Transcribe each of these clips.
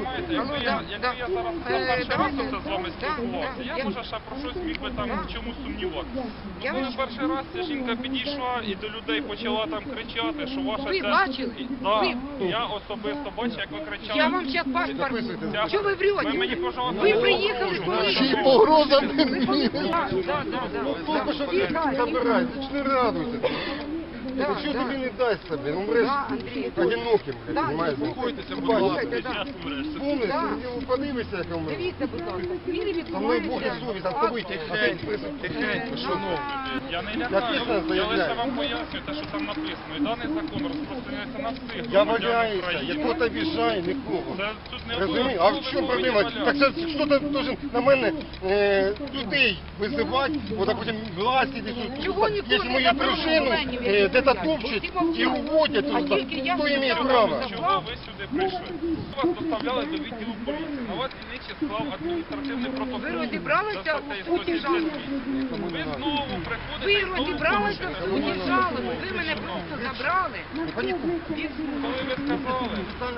Понимаєте, якби я зараз перший раз оце з вами спілкувався, я може ще про щось міг би там в чомусь сумніватися. Ну коли перший раз ця жінка підійшла і до людей почала там кричати, що ваша Ви ця... бачили? Так, я особисто бачив, як ви кричали. Я вам зараз паспорт. Чого ви Ви врете? мені, пожалуйста, Ви приїхали коли? Ще й погроза мені. Да. Тільки що ти забирай, 4 градуси. Да, Що да. тобі не дасть себе? Ну, мреш Да, Андрій. одиноким, Да, понимаєш? Заспокойтеся, будь Бачиш, ласка. Да. Помниш, Да. ти подивишся, як умре. Дивіться, будь ласка, він Со мною Бог і відбувається. совість, а з тобою Тихенько, шановні. Я не Я лякаю, чесно я лише заявляю. вам пояснюю те, що там написано. І даний закон розпространяється на всіх Я громадян валяюся, України. я хто обіжає, нікого. Це тут не Розумієш? А в чому проблема? Так це хто-то должен на мене людей визивати, от, а потім власті десь. Чого нікого Якщо не мою забрали дружину Оленів, де-то всі топчуть мовчать. і уводять А туди, тільки я хто має сказала, право? що Чого ви сюди прийшли? Вас доставляли до відділу поліції. На вас дільничий склав адміністративний протокол. Ви розібралися За статтею у суті 178. Ви знову приходите Ви і знову розібралися в порушуєте суді закон. жалоби, ви мене просто забрали. Коли ви сказали,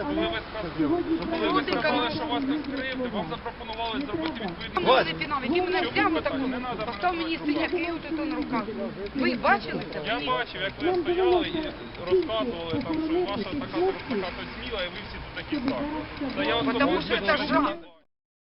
що вас не скривди, вам запропонували зробити відповідну... Мене пінав, який мене Чому взяв питання? отаку, Не надо постав мене мені провокувати. синяки отут на руках. Ви бачили це? Я бачив, як ви стояли і розказували, там, що ваша така сміла, і ви всі тут такі самі. Та я Потому особисто що це не жах. знаю.